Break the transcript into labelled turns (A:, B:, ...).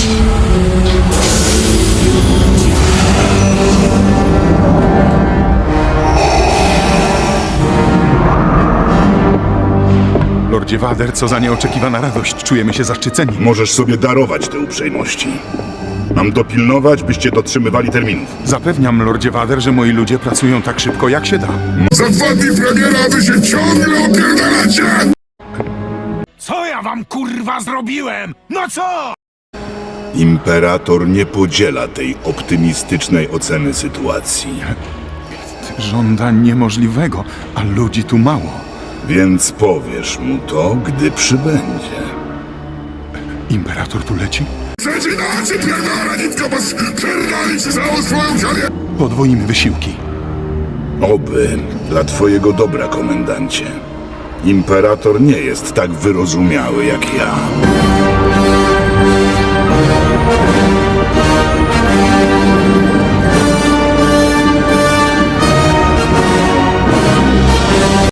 A: Lordzie Vader, co za nieoczekiwana radość. Czujemy się zaszczyceni.
B: Możesz sobie darować te uprzejmości. Mam dopilnować, byście dotrzymywali terminów.
A: Zapewniam, Lordzie Vader, że moi ludzie pracują tak szybko, jak się da.
C: Za 2 dni premiera wy się ciągle opierdalacie!
D: Co ja wam kurwa zrobiłem? No co?
B: Imperator nie podziela tej optymistycznej oceny sytuacji.
A: Żąda niemożliwego, a ludzi tu mało.
B: Więc powiesz mu to, gdy przybędzie.
A: Imperator tu leci?
C: Przecinacie pierdala nitka, bo pierdali ci całą swoją ziemię!
A: Podwoimy wysiłki.
B: Oby dla twojego dobra, komendancie. Imperator nie jest tak wyrozumiały jak ja.